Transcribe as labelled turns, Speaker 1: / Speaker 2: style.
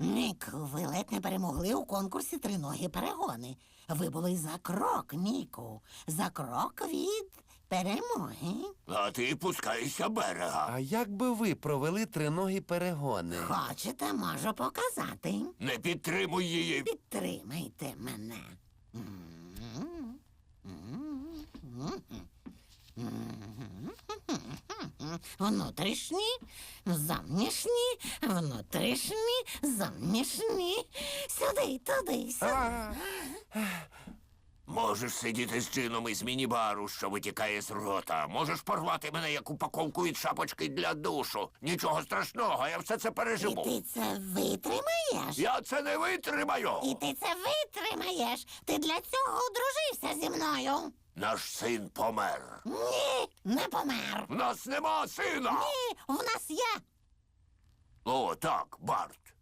Speaker 1: Нік, ви ледь не перемогли у конкурсі «Триногі перегони». Ви були за крок, Ніку. За крок від перемоги.
Speaker 2: А ти пускайся берега.
Speaker 3: А як би ви провели триногі перегони?
Speaker 1: Хочете, можу показати.
Speaker 2: Не підтримуй її.
Speaker 1: Підтримайте мене. Внутрішні, зовнішні, внутрішні, зовнішні. Сюди, туди, сюди.
Speaker 2: Можеш сидіти з джином із міні-бару, що витікає з рота. Можеш порвати мене як упаковку від шапочки для душу. Нічого страшного, я все це
Speaker 1: І
Speaker 2: переживу.
Speaker 1: ти це витримаєш?
Speaker 2: Я це не витримаю.
Speaker 1: І ти це витримаєш? Ти для цього одружився зі мною?
Speaker 2: Наш син помер.
Speaker 1: Ні, не помер.
Speaker 2: В нас нема сина.
Speaker 1: Ні, в нас є.
Speaker 2: О, так, Барт.